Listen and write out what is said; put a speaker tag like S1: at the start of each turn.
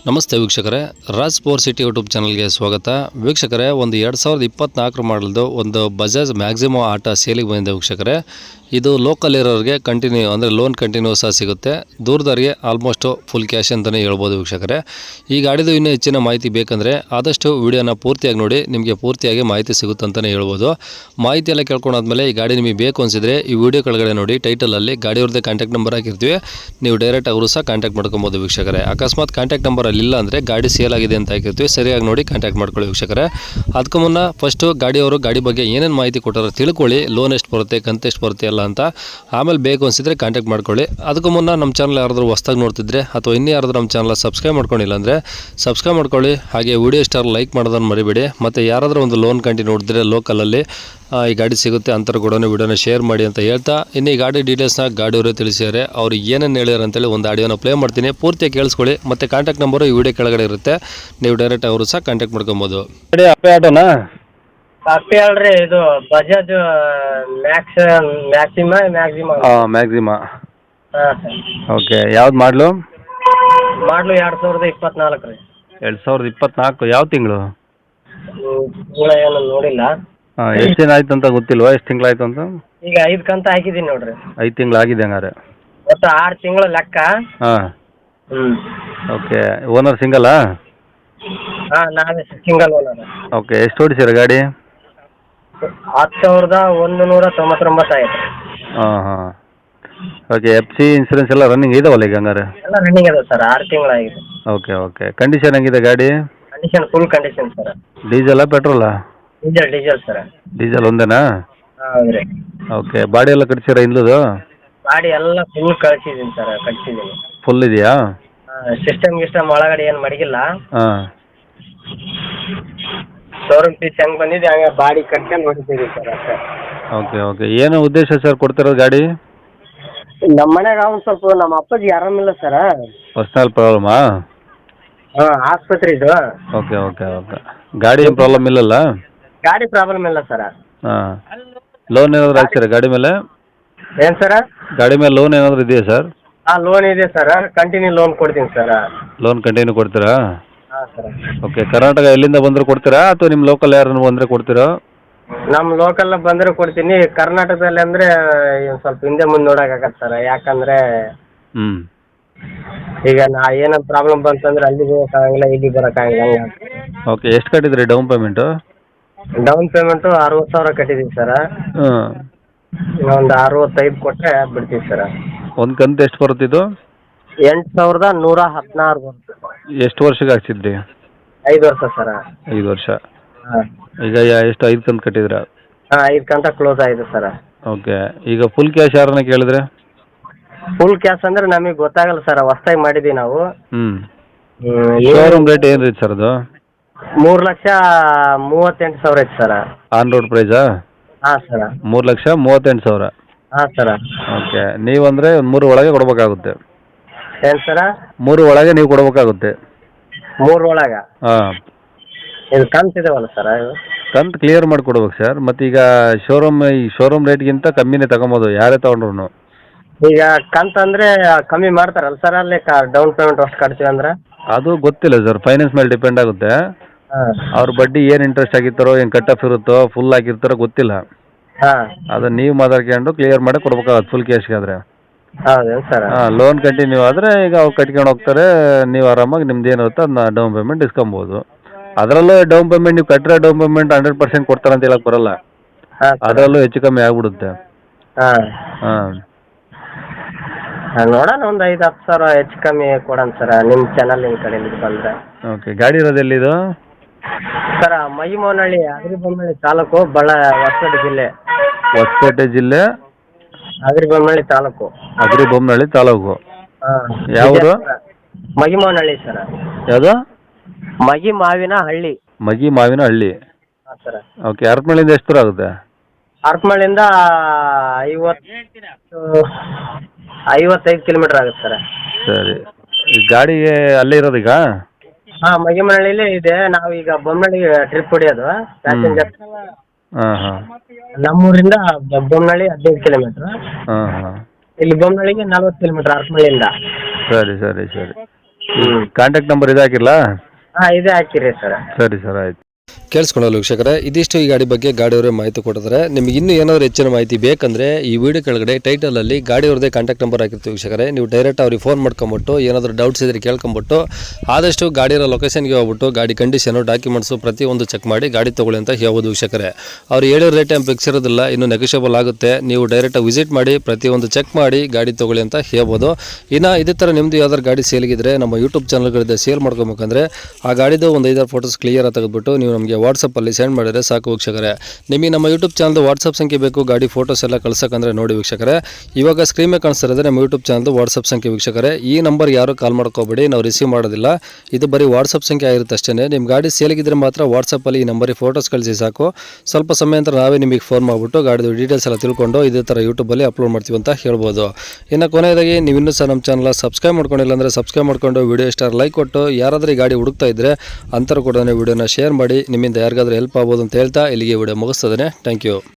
S1: ನಮಸ್ತೆ ವೀಕ್ಷಕರೇ, Raj power city YouTube ಚಾನಲ್ಗೆ ಸ್ವಾಗತ. ವೀಕ್ಷಕರೇ, ಒಂದು 2024 ಮಾಡಲ್ದು ಒಂದು ಬಜಾಜ್ ಮ್ಯಾಕ್ಸಿಮೋ ಆಟೋ ಸೇಲಿಗೆ ಬಂದಿದೆ ವೀಕ್ಷಕರೇ. ಇದು ಲೋಕಲ್ ಇರೋರಿಗೆ ಕಂಟಿನ್ಯೂ ಅಂದರೆ ಲೋನ್ ಕಂಟಿನ್ಯೂ ಸಹ ಸಿಗುತ್ತೆ. ದೂರದವರಿಗೆ ಆಲ್ಮೋಸ್ಟ್ ಫುಲ್ ಕ್ಯಾಶ್ ಅಂತಲೇ ಹೇಳ್ಬೋದು ವೀಕ್ಷಕರೇ. ಈ ಗಾಡಿದು ಇನ್ನೂ ಹೆಚ್ಚಿನ ಮಾಹಿತಿ ಬೇಕಂದರೆ ಆದಷ್ಟು ವಿಡಿಯೋನ ಪೂರ್ತಿಯಾಗಿ ನೋಡಿ, ನಿಮಗೆ ಪೂರ್ತಿಯಾಗಿ ಮಾಹಿತಿ ಸಿಗುತ್ತೆ ಅಂತಲೇ ಹೇಳ್ಬೋದು. ಮಾಹಿತಿ ಎಲ್ಲ ಕೇಳ್ಕೊಂಡಾದ್ಮೇಲೆ ಈ ಗಾಡಿ ನಿಮಗೆ ಬೇಕು ಅನಿಸಿದರೆ ಈ ವಿಡಿಯೋ ಕೆಳಗಡೆ ನೋಡಿ, ಟೈಟಲಲ್ಲಿ ಗಾಡಿಯವ್ರದ್ದೇ ಕಾಂಟ್ಯಾಕ್ಟ್ ನಂಬರ್ ಹಾಕಿರ್ತೀವಿ. ನೀವು ಡೈರೆಕ್ಟ್ ಅವರು ಸಹ ಕಾಂಟ್ಯಾಕ್ಟ್ ಮಾಡ್ಕೊಬೋದು ವೀಕ್ಷಕರೇ. ಅಕಸ್ಮಾತ್ ಕಾಂಟ್ಯಾಕ್ಟ್ ನಂಬರ್ ಇಲ್ಲ ಅಂದರೆ ಗಾಡಿ ಸೇಲ್ ಆಗಿದೆ ಅಂತ ಹಾಕಿರ್ತೀವಿ, ಸರಿಯಾಗಿ ನೋಡಿ ಕಾಂಟ್ಯಾಕ್ಟ್ ಮಾಡ್ಕೊಳ್ಳಿ ವೀಕ್ಷಕರೇ. ಅದಕ್ಕೂ ಮುನ್ನ ಫಸ್ಟು ಗಾಡಿಯವರು ಗಾಡಿ ಬಗ್ಗೆ ಏನೇನು ಮಾಹಿತಿ ಕೊಟ್ಟಾರೋ ತಿಳ್ಕೊಳ್ಳಿ, ಲೋನ್ ಎಷ್ಟು ಬರುತ್ತೆ, ಕಂತು ಎಷ್ಟು ಬರುತ್ತೆ ಎಲ್ಲ ಅಂತ. ಆಮೇಲೆ ಬೇಕು ಅನಿಸಿದ್ರೆ ಕಾಂಟ್ಯಾಕ್ಟ್ ಮಾಡ್ಕೊಳ್ಳಿ. ಅದಕ್ಕೂ ಮುನ್ನ ನಮ್ಮ ಚಾನಲ್ ಯಾರಾದರೂ ಹೊಸ್ದಾಗಿ ನೋಡ್ತಿದ್ರೆ ಅಥವಾ ಇನ್ನೂ ಯಾರಾದರೂ ನಮ್ಮ ಚಾನಲ್ ಸಬ್ಸ್ಕ್ರೈಬ್ ಮಾಡ್ಕೊಂಡಿಲ್ಲ ಅಂದರೆ ಸಬ್ಸ್ಕ್ರೈಬ್ ಮಾಡ್ಕೊಳ್ಳಿ. ಹಾಗೆ ವಿಡಿಯೋ ಸ್ಟಾರ್ ಲೈಕ್ ಮಾಡೋದನ್ನು ಮರಿಬೇಡಿ. ಮತ್ತು ಯಾರಾದರೂ ಒಂದು ಲೋನ್ ಕಂಟಿ ನೋಡಿದ್ರೆ ಲೋಕಲಲ್ಲಿ ಈ ಗಾಡಿ ಸಿಗುತ್ತೆ ಅಂತರ ಕೂಡ ವಿಡಿಯೋನ ಶೇರ್ ಮಾಡಿ ಅಂತ ಹೇಳ್ತಾ, ಇನ್ನು ಈ ಗಾಡಿ ಡೀಟೇಲ್ಸ್ನ ಗಾಡಿಯವರು ತಿಳಿಸಿದ್ದಾರೆ. ಅವ್ರು ಏನೇನು ಹೇಳ್ಯಾರ ಅಂತೇಳಿ ಒಂದು ಆಡಿಯೋನ ಪ್ಲೇ ಮಾಡ್ತೀನಿ, ಪೂರ್ತಿಯಾಗಿ ಕೇಳಿಸ್ಕೊಳ್ಳಿ. ಮತ್ತು ಕಾಂಟ್ಯಾಕ್ಟ್ ನಂಬರು ಈ ವಿಡಿಯೋ ಕೆಳಗಡೆ ಇರುತ್ತೆ, ನೀವು ಡೈರೆಕ್ಟ್ ಅವರು ಸಹ ಕಾಂಟ್ಯಾಕ್ಟ್ ಮಾಡ್ಕೊಬೋದು. ಗಾಡಿ ಅಪ್ಪೆ ಆಟೋನಾ?
S2: ಕಾಪಿ ಅಲ್ರಿ, ಇದು ಬಜಾಜ್ ಮ್ಯಾಕ್ಸಿಮಾ.
S1: ಮ್ಯಾಕ್ಸಿಮಾ.
S2: ಹಾಂ ಸರ್.
S1: ಓಕೆ, ಯಾವ್ದು ಮಾಡಲು?
S2: ಮಾಡಲು 2024 ರೀ.
S1: 2024 ಯಾವ ತಿಂಗಳು?
S2: ತಿಂಗಳ ಏನು ನೋಡಿಲ್ಲ.
S1: ಎಷ್ಟು ದಿನ ಆಯ್ತು ಅಂತ ಗೊತ್ತಿಲ್ವಾ? ಎಷ್ಟು ತಿಂಗಳಾಯ್ತು ಅಂತ?
S2: ಈಗ 5 ಕಂತು ಹಾಕಿದ್ದೀನಿ ನೋಡ್ರಿ.
S1: 5 ತಿಂಗಳು ಆಗಿದೆ ಹಂಗಾರೆ.
S2: ಒಟ್ಟು 6 ತಿಂಗಳು ಲೆಕ್ಕ.
S1: ಹಾಂ.
S2: ಹ್ಞೂ.
S1: ಓಕೆ, ಓನರ್ ಸಿಂಗಲ್ಲಾ?
S2: ಹಾಂ, ನಾವೇ ಸಿಂಗಲ್ ಓನರ್.
S1: ಓಕೆ, ಎಷ್ಟು ಓಡಿಸಿರ ಗಾಡಿ?
S2: 10,199 ಆಯ್ತು.
S1: ಹಾಂ ಹಾಂ. ಓಕೆ, FC ಇನ್ಸೂರೆನ್ಸ್ ಎಲ್ಲ ರನ್ನಿಂಗ್ ಇದಾವಲ್ಲ ಈಗ ಹಂಗಾರೆ?
S2: ಎಲ್ಲ ರನ್ನಿಂಗ್ ಅದ ಸರ್, 6 ತಿಂಗಳಾಗಿದೆ.
S1: Okay okay. ಕಂಡೀಷನ್ ಹೆಂಗಿದೆ ಗಾಡಿ?
S2: Condition full condition sir.
S1: ಡೀಸೆಲ್ಲಾ ಪೆಟ್ರೋಲಾ?
S2: Diesel sir.
S1: ಡೀಸೆಲ್ ಒಂದೇನಾ?
S2: ಹೌದು ರೀ.
S1: ಓಕೆ, ಬಾಡಿ ಎಲ್ಲ ಕಟ್ಸಿರ ಹಿಂದದು?
S2: ಗಾಡಿ ಎಲ್ಲ ಫುಲ್ ಕಳಿಸಿದ್ದೀನಿ ಸರ್, ಕಳಿಸಿದ್ದೀನಿ.
S1: ಫುಲ್ ಇದೆಯಾ?
S2: ಸಿಸ್ಟಮ್ ಒಳಗಡೆ ಏನು ಮಡಗಿಲ್ಲ.
S1: ಹಾಂ.
S2: ಶೋರೂಮ್ ಫೀಸ್ ಹೆಂಗೆ ಬಂದಿದೆ ಹಂಗೆ ಬಾಡಿ ಕಟ್ಕೊಂಡು ಹೊಡಿತೀವಿ ಸರ್ ಅಷ್ಟೇ.
S1: Okay okay. ಏನು ಉದ್ದೇಶ ಸರ್ ಕೊಡ್ತಿರೋದು ಗಾಡಿ?
S2: ನಮ್ಮ ಮನ್ಯಾಗ ಒಂದು ಸ್ವಲ್ಪ ನಮ್ಮ ಅಪ್ಪಾಜಿ ಆರಾಮಿಲ್ಲ ಸರ್.
S1: ಪರ್ಸ್ನಲ್ ಪ್ರಾಬ್ಲಮಾ?
S2: ಹಾಂ, ಆಸ್ಪತ್ರೆ ಇದು.
S1: Okay okay okay. ಗಾಡಿ ಏನು ಪ್ರಾಬ್ಲಮ್ ಇಲ್ಲಲ್ಲ?
S2: ಗಾಡಿ ಪ್ರಾಬ್ಲಮ್ ಇಲ್ಲ ಸರ್.
S1: ಹಾಂ. ಲೋನ್ ಏನಾದರೂ ಹಾಕ್ತೀರಾ ಗಾಡಿ ಮೇಲೆ?
S2: ಏನು ಸರ?
S1: ಗಾಡಿ ಮೇಲೆ ಲೋನ್ ಏನಾದರೂ ಇದೆಯಾ ಸರ್?
S2: ಹಾಂ, ಲೋನ್ ಇದೆ ಸರ್. ಕಂಟಿನ್ಯೂ ಲೋನ್ ಕೊಡ್ತೀನಿ ಸರ್.
S1: ಲೋನ್ ಕಂಟಿನ್ಯೂ ಕೊಡ್ತೀರಾ?
S2: ಹಾಂ ಸರ್.
S1: ಓಕೆ. ಕರ್ನಾಟಕ ಎಲ್ಲಿಂದ ಬಂದರೂ ಕೊಡ್ತೀರಾ ಅಥವಾ ನಿಮ್ಮ ಲೋಕಲ್ ಯಾರನ್ನು ಬಂದರೆ ಕೊಡ್ತೀರಾ?
S2: ನಮ್ಮ ಲೋಕಲ್ ಬಂದರೆ ಕೊಡ್ತೀನಿ. ಕರ್ನಾಟಕದಲ್ಲಿ ಅಂದರೆ ಸ್ವಲ್ಪ ಹಿಂದೆ ಮುಂದೆ ನೋಡೋಕ್ಕಾಗತ್ತೆ ಸರ್. ಯಾಕಂದರೆ
S1: ಹ್ಞೂ.
S2: ಈಗ ಏನೋ ಪ್ರಾಬ್ಲಮ್ ಬಂತಂದ್ರೆ ಅಲ್ಲಿಗೆ ಹೋಗೋಕ್ಕಾಗಲ್ಲ, ಇಲ್ಲಿಗೆ ಬರೋಕ್ಕಾಗಲ್ಲ.
S1: ಓಕೆ, ಎಷ್ಟು ಕಟ್ಟಿದ್ರಿ ಡೌನ್ ಪೇಮೆಂಟು?
S2: ಡೌನ್ ಪೇಮೆಂಟು 60,000 ಕಟ್ಟಿದ್ದೀವಿ ಸರ್.
S1: ಹಾಂ.
S2: ಒಂದು 65 ಕೊಟ್ಟರೆ ಬಿಡ್ತೀವಿ ಸರ್.
S1: ಒಂದು ಕಂತು ಎಷ್ಟು ಬರುತ್ತಿದ್ದು?
S2: 8,116 ಬರುತ್ತೆ.
S1: ಎಷ್ಟು ವರ್ಷಕ್ಕೆ ಹಾಕ್ಸಿದ್ರಿ?
S2: 5 ವರ್ಷ ಸರ್.
S1: 5 ವರ್ಷ.
S2: ಹಾಂ.
S1: ಈಗ ಎಷ್ಟು 5 ಕಂತು ಕಟ್ಟಿದ್ರಾ?
S2: ಹಾಂ, 5 ಕಂತ ಕ್ಲೋಸ್ ಆಗಿದೆ ಸರ್.
S1: ಓಕೆ. ಈಗ ಫುಲ್ ಕ್ಯಾಶ್ ಯಾರನ್ನ ಕೇಳಿದ್ರೆ?
S2: ಫುಲ್ ಕ್ಯಾಶ್ ಅಂದರೆ ನಮಗೆ ಗೊತ್ತಾಗಲ್ಲ ಸರ್, ಹೊಸ್ದಾಗಿ ಮಾಡಿದ್ದೀವಿ ನಾವು.
S1: ಹ್ಞೂ. ಶೋರೂಮ್ ರೇಟ್ ಏನು ರೀ ಸರ್ ಅದು?
S2: 3,38,000 ಐತೆ ಸರ್.
S1: On road ಪ್ರೈಸಾ?
S2: ಹಾಂ ಸರ್.
S1: 3,38,000.
S2: ಹಾಂ ಸರ್.
S1: ಓಕೆ. ನೀವಂದರೆ 3 ಒಳಗೆ ಕೊಡಬೇಕಾಗುತ್ತೆ?
S2: ಏನು ಸರ?
S1: 3 ಒಳಗೆ ನೀವು ಕೊಡಬೇಕಾಗುತ್ತೆ?
S2: 3 ಒಳಗೆ?
S1: ಹಾಂ.
S2: ಇದು ಕಂತು ಇದಾವಲ್ಲ ಸರ್, ಇದು
S1: ಕಂತು ಕ್ಲಿಯರ್ ಮಾಡಿ ಕೊಡ್ಬೇಕು ಸರ್. ಮತ್ತೀಗ ಶೋರೂಮ್ ರೇಟ್ಗಿಂತ ಕಮ್ಮಿನೇ ತಗೊಬೋದು ಯಾರೇ ತೊಗೊಂಡ್ರು.
S2: ಈಗ ಕಂತು ಅಂದರೆ ಕಮ್ಮಿ ಮಾಡ್ತಾರಲ್ಲ ಸರ್ ಅಲ್ಲಿ ಡೌನ್ ಪೇಮೆಂಟ್ ಅಷ್ಟು ಕಟ್ತೀವಿ ಅಂದ್ರೆ?
S1: ಅದು ಗೊತ್ತಿಲ್ಲ ಸರ್, ಫೈನಾನ್ಸ್ ಮೇಲೆ ಡಿಪೆಂಡ್ ಆಗುತ್ತೆ.
S2: ಹಾಂ.
S1: ಅವ್ರ ಬಡ್ಡಿ ಏನು ಇಂಟ್ರೆಸ್ಟ್ ಆಗಿರ್ತಾರೋ, ಏನು ಕಟ್ ಆಫ್ ಇರುತ್ತೋ, ಫುಲ್ ಆಗಿರ್ತಾರೋ ಗೊತ್ತಿಲ್ಲ.
S2: ಹಾಂ.
S1: ಅದನ್ನು ನೀವು ಮಾತಾಡ್ಕೊಂಡು ಕ್ಲಿಯರ್ ಮಾಡಿ ಕೊಡ್ಬೇಕಾಗತ್ತೆ ಫುಲ್ ಕ್ಯಾಶ್ಗೆ ಆದರೆ.
S2: ಹೌದೇನು ಸರ್?
S1: ಹಾಂ. ಲೋನ್ ಕಂಟಿನ್ಯೂ ಆದರೆ ಈಗ ಅವ್ರು ಕಟ್ಕೊಂಡು ಹೋಗ್ತಾರೆ, ನೀವು ಆರಾಮಾಗಿ ನಿಮ್ದು ಏನಿರುತ್ತೋ ಅದನ್ನ ಡೌನ್ ಪೇಮೆಂಟ್ ಇಸ್ಕೊಬೋದು. ಅದರಲ್ಲೂ ಡೌನ್ ಪೇಮೆಂಟ್ ನೀವು ಕಟ್ಟಿರೋ ಡೌನ್ ಪೇಮೆಂಟ್ 100% ಕೊಡ್ತಾರೆ ಅಂತ ಹೇಳಕ್ಕೆ ಬರಲ್ಲ.
S2: ಹಾಂ.
S1: ಅದರಲ್ಲೂ ಹೆಚ್ಚು ಕಮ್ಮಿ ಆಗ್ಬಿಡುತ್ತೆ.
S2: ಹಾಂ.
S1: ಹಾಂ.
S2: ನೋಡೋಣ, ಒಂದು 5-10 ಸಾವಿರ ಹೆಚ್ಚು ಕಮ್ಮಿ ಕೊಡೋಣ ಸರ್, ನಿಮ್ಮ ಚಾನಲಿನ ಕಡೆಯಿಂದ ಬಂದರೆ.
S1: ಓಕೆ. ಗಾಡಿ ಇರೋದು ಎಲ್ಲಿದು?
S2: ಸರ್, ಮಹಿಮನಹಳ್ಳಿ, ಹಗರಿಬೊಮ್ಮನಹಳ್ಳಿ ತಾಲೂಕು, ಹೊಸಪೇಟೆ ಜಿಲ್ಲೆ.
S1: ಹೊಸಪೇಟೆ ಜಿಲ್ಲೆ,
S2: ಹಗರಿಬೊಮ್ಮನಹಳ್ಳಿ ತಾಲೂಕು.
S1: ಹಗರಿಬೊಮ್ಮನಹಳ್ಳಿ ತಾಲೂಕು.
S2: ಹಾಂ.
S1: ಯಾವುದು?
S2: ಮಹಿಮನಹಳ್ಳಿ ಸರ್.
S1: ಯಾವುದು?
S2: ಮಹಿಮಾವಿನಹಳ್ಳಿ.
S1: ಮಗಿಮಾವಿನಹಳ್ಳಿ.
S2: ಹಾಂ ಸರ್.
S1: ಓಕೆ. ಹರಪನಹಳ್ಳಿಯಿಂದ ಎಷ್ಟು ದೂರ ಆಗುತ್ತೆ?
S2: ಹರಪನಹಳ್ಳಿಯಿಂದ 55 ಕಿಲೋಮೀಟ್ರ್ ಆಗುತ್ತೆ ಸರ್.
S1: ಸರಿ. ಈ ಗಾಡಿಗೆ ಅಲ್ಲೇ ಇರೋದೀಗ?
S2: ಹಾಂ, ಮಗಿಮನಹಳ್ಳಿಲೇ ಇದೆ. ನಾವು ಈಗ ಬೊಮ್ಮನಹಳ್ಳಿಗೆ ಟ್ರಿಪ್ ಹೊಡಿಯೋದು ಪ್ಯಾಸೆಂಜರ್.
S1: ಹಾಂ ಹಾಂ.
S2: ನಮ್ಮೂರಿಂದ ಬೊಮ್ಮನಹಳ್ಳಿ 15 ಕಿಲೋಮೀಟ್ರ್.
S1: ಹಾಂ ಹಾಂ.
S2: ಇಲ್ಲಿ ಬೊಮ್ಮನಹಳ್ಳಿಗೆ 40 ಕಿಲೋಮೀಟ್ರ್ ಹರಪನಹಳ್ಳಿಯಿಂದ.
S1: ಸರಿ ಸರಿ ಸರಿ.
S2: ಹ್ಞೂ
S3: ಕಾಂಟ್ಯಾಕ್ಟ್ ನಂಬರ್ ಇದು ಹಾಕಿರಲಾ?
S2: ಹಾಂ ಇದೇ ಹಾಕಿರಿ ಸರ್.
S3: ಸರಿ ಸರ್, ಆಯ್ತು.
S1: ಕೇಳಿಸ್ಕೊಳ್ಳಲು ವೀಕ್ಷಕರೇ, ಇದಿಷ್ಟು ಈ ಗಾಡಿ ಬಗ್ಗೆ ಗಾಡಿಯವರೇ ಮಾಹಿತಿ ಕೊಟ್ಟಿದ್ದಾರೆ. ನಿಮಗೆ ಇನ್ನೂ ಏನಾದರೂ ಹೆಚ್ಚಿನ ಮಾಹಿತಿ ಬೇಕಂದರೆ ಈ ವಿಡಿಯೋ ಕೆಳಗಡೆ ಟೈಟಲಲ್ಲಿ ಗಾಡಿಯವ್ರದ್ದೇ ಕಾಂಟ್ಯಾಕ್ಟ್ ನಂಬರ್ ಹಾಕಿರ್ತೀವಿ ವೀಕ್ಷಕರೇ. ನೀವು ಡೈರೆಕ್ಟ್ ಅವ್ರಿಗೆ ಫೋನ್ ಮಾಡ್ಕೊಂಬಿಟ್ಟು ಏನಾದರೂ ಡೌಟ್ಸ್ ಇದ್ರೆ ಕೇಳ್ಕೊಂಬಿಟ್ಟು ಆದಷ್ಟು ಗಾಡಿಯ ಲೊಕೇಶನ್ಗೆ ಹೋಗ್ಬಿಟ್ಟು ಗಾಡಿ ಕಂಡೀಷನು ಡಾಕ್ಯುಮೆಂಟ್ಸು ಪ್ರತಿಯೊಂದು ಚೆಕ್ ಮಾಡಿ ಗಾಡಿ ತೊಗೊಳ್ಳಿ ಅಂತ ಹೇಳ್ಬೋದು ವೀಕ್ಷಕರೇ. ಅವ್ರು ಹೇಳಿರೋ ರೇಟ್ ಏನು ಫಿಕ್ಸ್ ಇರೋದಿಲ್ಲ, ಇನ್ನೂ ನೆಗೋಷಿಯಬಲ್ ಆಗುತ್ತೆ. ನೀವು ಡೈರೆಕ್ಟಾಗಿ ವಿಸಿಟ್ ಮಾಡಿ ಪ್ರತಿಯೊಂದು ಚೆಕ್ ಮಾಡಿ ಗಾಡಿ ತೊಗೊಳ್ಳಿ ಅಂತ ಹೇಳ್ಬೋದು. ಇನ್ನು ಇದೇ ಥರ ನಿಮ್ಮದು ಯಾವ್ದಾದ್ರು ಗಾಡಿ ಸೇಲ್ಗಿದ್ರೆ ನಮ್ಮ ಯೂಟ್ಯೂಬ್ ಚಾನಲ್ಗಳಿಂದ ಸೇಲ್ ಮಾಡ್ಕೊಬೇಕಂದ್ರೆ ಆ ಗಾಡಿದು ಒಂದು 5-6 ಫೋಟೋಸ್ ಕ್ಲಿಯರ್ ತೆಗೆದುಬಿಟ್ಟು ನೀವು ನಮಗೆ ವಾಟ್ಸಪ್ಪಲ್ಲಿ ಸೆಂಡ್ ಮಾಡಿದರೆ ಸಾಕು ವೀಕ್ಷಕರೇ. ನಿಮಗೆ ನಮ್ಮ ಯೂಟ್ಯೂಬ್ ಚಾನಲ್ದು ವಾಟ್ಸಪ್ ಸಂಖ್ಯೆ ಬೇಕು ಗಾಡಿ ಫೋಟೋಸ್ ಎಲ್ಲ ಕಳ್ಸೋಕಂದ್ರೆ ನೋಡಿ ವೀಕ್ಷಕರೇ, ಇವಾಗ ಸ್ಕ್ರೀನ್ ಮೇಲೆ ಕಾಣಿಸ್ತಿರೋದು ನಮ್ಮ ಯೂಟ್ಯೂಬ್ ಚಾನಲ್ದು ವಾಟ್ಸಪ್ ಸಂಖ್ಯೆ ವೀಕ್ಷಕರೇ. ಈ ನಂಬರ್ ಯಾರು ಕಾಲ್ ಮಾಡ್ಕೋಬೇಡಿ, ನಾವು ರಿಸೀವ್ ಮಾಡೋದಿಲ್ಲ. ಇದು ಬರೀ ವಾಟ್ಸಪ್ ಸಂಖ್ಯೆ ಆಗಿರುತ್ತೆ ಅಷ್ಟೇ. ನಿಮ್ಮ ಗಾಡಿ ಸೇಲಿಗಿದ್ರೆ ಮಾತ್ರ ವಾಟ್ಸಪ್ಪಲ್ಲಿ ಈ ನಂಬರಿಗೆ ಫೋಟೋಸ್ ಕಳಿಸಿ ಸಾಕು. ಸ್ವಲ್ಪ ಸಮಯ ನಂತರ ನಾವೇ ನಿಮಗೆ ಫೋನ್ ಮಾಡಿಬಿಟ್ಟು ಗಾಡಿದು ಡೀಟೇಲ್ಸ್ ಎಲ್ಲ ತಿಳ್ಕೊಂಡು ಇದೇ ಥರ ಯೂಟ್ಯೂಬಲ್ಲಿ ಅಪ್ಲೋಡ್ ಮಾಡ್ತೀವಿ ಅಂತ ಹೇಳ್ಬೋದು. ಇನ್ನು ಕೊನೆಯದಾಗಿ ನೀವು ಇನ್ನೂ ಸಹ ನಮ್ಮ ಚಾನಲ್ ಸಬ್ಸ್ಕ್ರೈಬ್ ಮಾಡ್ಕೊಂಡಿಲ್ಲ ಅಂದರೆ ಸಬ್ಸ್ಕ್ರೈಬ್ ಮಾಡ್ಕೊಂಡು ವಿಡಿಯೋ ಇಷ್ಟ ಲೈಕ್ ಕೊಟ್ಟು ಯಾರಾದರೂ ಈ ಗಾಡಿ ಹುಡುಕ್ತಾ ಇದ್ದರೆ ಅಂಥವ್ರು ಕೂಡ ವಿಡಿಯೋನ ಶೇರ್ ಮಾಡಿ. ನಿಮ್ಮಿಂದ ಯಾರಿಗಾದ್ರೂ ಹೆಲ್ಪ್ ಆಗ್ಬೋದು ಅಂತ ಹೇಳ್ತಾ ಇಲ್ಲಿಗೆ ವಿಡಿಯೋ ಮುಗಿಸ್ತದೆ. Thank you.